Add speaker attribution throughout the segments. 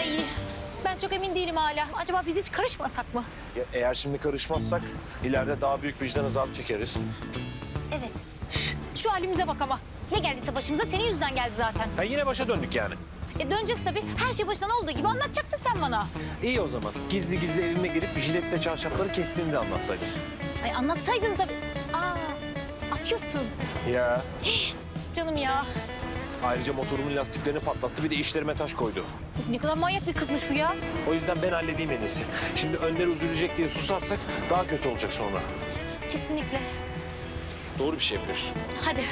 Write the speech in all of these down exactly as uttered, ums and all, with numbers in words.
Speaker 1: Ay ben çok emin değilim hala. Acaba biz hiç karışmasak mı?
Speaker 2: Ya eğer şimdi karışmazsak ileride daha büyük vicdan azabı çekeriz.
Speaker 1: Evet. Şu halimize bak ama. Ne geldiyse başımıza senin yüzünden geldi zaten.
Speaker 2: Ha yine başa döndük yani.
Speaker 1: E döneceğiz tabii. Her şey başından olduğu gibi anlatacaktın sen bana.
Speaker 2: İyi o zaman. Gizli gizli evime girip jiletle çarşafları kestiğini de anlatsaydın.
Speaker 1: Ay anlatsaydın tabii. Aa atıyorsun.
Speaker 2: Ya.
Speaker 1: Canım ya.
Speaker 2: Ayrıca motorumun lastiklerini patlattı, bir de işlerime taş koydu.
Speaker 1: Ne kadar manyak bir kızmış bu ya.
Speaker 2: O yüzden ben halledeyim en iyisi. Şimdi Önder üzülecek diye susarsak daha kötü olacak sonra.
Speaker 1: Kesinlikle.
Speaker 2: Doğru bir şey yapıyorsun.
Speaker 1: Hadi.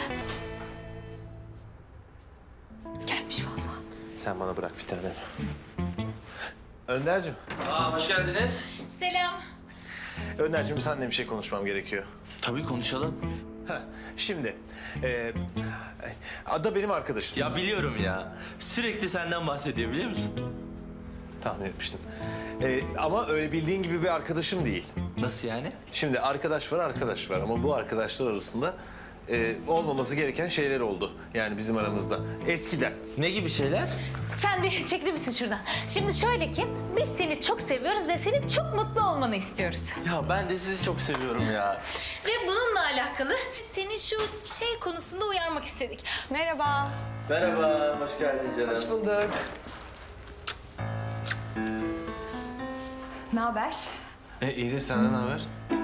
Speaker 1: Gelmiş vallahi.
Speaker 2: Sen bana bırak bir tanem. Önder'cim.
Speaker 3: Aa, hoş geldiniz.
Speaker 1: Selam.
Speaker 2: Önder'cim seninle bir şey konuşmam gerekiyor.
Speaker 3: Tabii konuşalım.
Speaker 2: Heh, şimdi e, Ada benim arkadaşım.
Speaker 3: Ya biliyorum ya. Sürekli senden bahsediyor biliyor musun?
Speaker 2: Tahmin etmiştim. E, ama öyle bildiğin gibi bir arkadaşım değil.
Speaker 3: Nasıl yani?
Speaker 2: Şimdi arkadaş var, arkadaş var ama bu arkadaşlar arasında e, olmaması gereken şeyler oldu. Yani bizim aramızda. Eskiden.
Speaker 3: Ne gibi şeyler?
Speaker 1: Sen bir çekilir misin şuradan? Şimdi şöyle ki biz seni çok seviyoruz ve senin çok mutlu olmanı istiyoruz.
Speaker 3: Ya ben de sizi çok seviyorum ya.
Speaker 1: Ve bununla alakalı seni şu şey konusunda uyarmak istedik. Merhaba.
Speaker 3: Merhaba, hoş geldin canım. Hoş bulduk.
Speaker 4: Ne haber?
Speaker 2: E, iyidir, senden ne haber?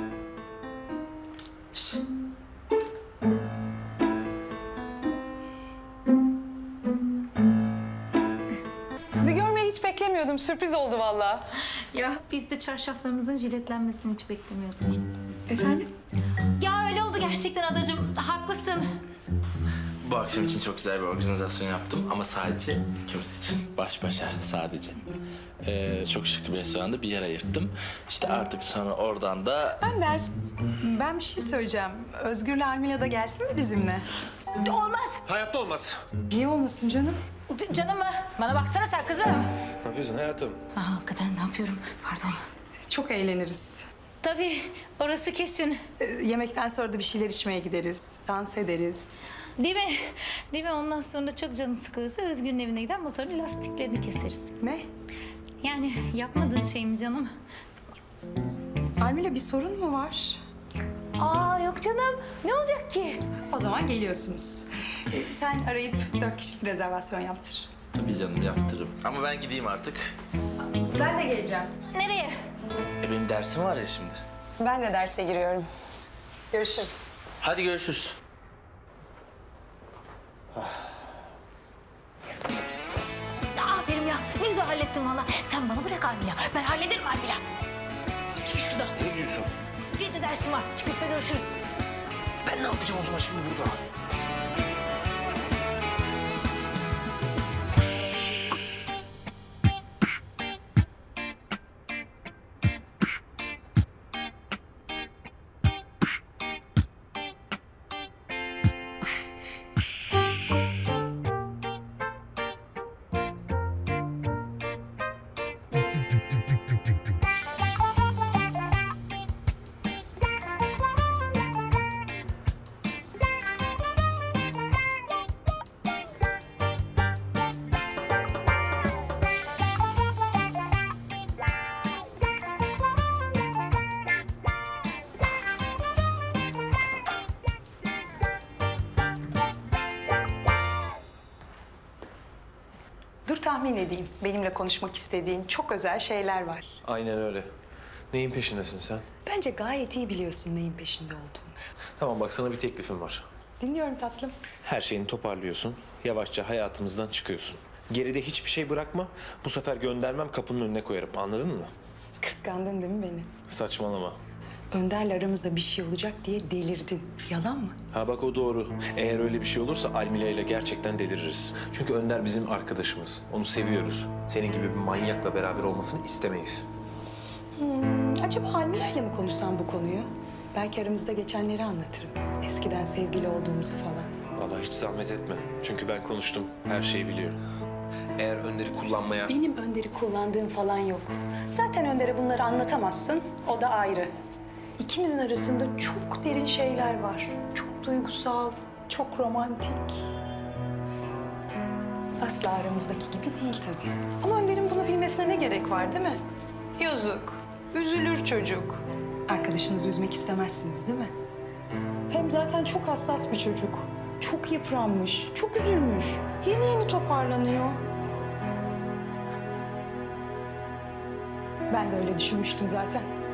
Speaker 4: Sizi görmeyi hiç beklemiyordum. Sürpriz oldu vallahi.
Speaker 1: Ya biz de çarşaflarımızın jiletlenmesini hiç beklemiyorduk.
Speaker 4: Efendim?
Speaker 1: Ya öyle oldu gerçekten adacığım. Haklısın.
Speaker 3: Bu akşam için çok güzel bir organizasyon yaptım ama sadece ikimiz için. Baş başa sadece. Ee, çok şık bir restoranda bir yer ayırttım. İşte artık sonra oradan da...
Speaker 4: Önder, ben bir şey söyleyeceğim. Özgür'le Armila da gelsin mi bizimle?
Speaker 1: Olmaz.
Speaker 2: Hayatta olmaz.
Speaker 4: Niye olmasın canım?
Speaker 1: C- canım mı? Bana baksana sen kızım.
Speaker 2: Ne yapıyorsun hayatım?
Speaker 1: Aa, hakikaten ne yapıyorum? Pardon.
Speaker 4: Çok eğleniriz.
Speaker 1: Tabii orası kesin.
Speaker 4: Ee, yemekten sonra da bir şeyler içmeye gideriz. Dans ederiz.
Speaker 1: Değil mi? Değil mi? Ondan sonra çok canım sıkılırsa Özgür'ün evine gider motorun lastiklerini keseriz.
Speaker 4: Ne?
Speaker 1: Yani yapmadığın şey mi canım?
Speaker 4: Armila bir sorun mu var?
Speaker 1: Aa yok canım. Ne olacak ki?
Speaker 4: O zaman geliyorsunuz. Ee, sen arayıp dört kişilik rezervasyon yaptır.
Speaker 3: Tabii canım yaptırırım. Ama ben gideyim artık.
Speaker 4: Ben de geleceğim.
Speaker 1: Nereye?
Speaker 3: E benim dersim var ya şimdi.
Speaker 4: Ben de derse giriyorum. Görüşürüz.
Speaker 3: Hadi görüşürüz.
Speaker 1: Aferin ya. Ne güzel hallettin valla. Sen bana bırak Almila. Ben hallederim Almila. Çık şuradan.
Speaker 2: Ne diyorsun?
Speaker 1: Bir de dersim var. Çıkışta görüşürüz.
Speaker 2: Ben ne yapacağım o zaman şimdi burada?
Speaker 4: Dur tahmin edeyim. Benimle konuşmak istediğin çok özel şeyler var.
Speaker 2: Aynen öyle. Neyin peşindesin sen?
Speaker 4: Bence gayet iyi biliyorsun neyin peşinde olduğunu.
Speaker 2: Tamam bak, sana bir teklifim var.
Speaker 4: Dinliyorum tatlım.
Speaker 2: Her şeyini toparlıyorsun. Yavaşça hayatımızdan çıkıyorsun. Geride hiçbir şey bırakma. Bu sefer göndermem, kapının önüne koyarım. Anladın mı?
Speaker 4: Kıskandın değil mi beni?
Speaker 2: Saçmalama.
Speaker 4: Önder'le aramızda bir şey olacak diye delirdin. Yalan mı?
Speaker 2: Ha bak, o doğru. Eğer öyle bir şey olursa Almila ile gerçekten deliririz. Çünkü Önder bizim arkadaşımız. Onu seviyoruz. Senin gibi bir manyakla beraber olmasını istemeyiz.
Speaker 4: Acaba Almila ile mi konuşsam bu konuyu? Belki aramızda geçenleri anlatırım. Eskiden sevgili olduğumuzu falan.
Speaker 2: Vallahi hiç zahmet etme. Çünkü ben konuştum. Her şeyi biliyor. Eğer Önder'i kullanmaya...
Speaker 4: Benim Önder'i kullandığım falan yok. Zaten Önder'e bunları anlatamazsın. O da ayrı. İkimizin arasında çok derin şeyler var. Çok duygusal, çok romantik. Asla aramızdaki gibi değil tabii. Ama Önder'in bunu bilmesi söylemesine ne gerek var değil mi? Yazık. Üzülür çocuk. Arkadaşınızı üzmek istemezsiniz değil mi? Hem zaten çok hassas bir çocuk. Çok yıpranmış, çok üzülmüş. Yeni yeni toparlanıyor. Ben de öyle düşünmüştüm zaten.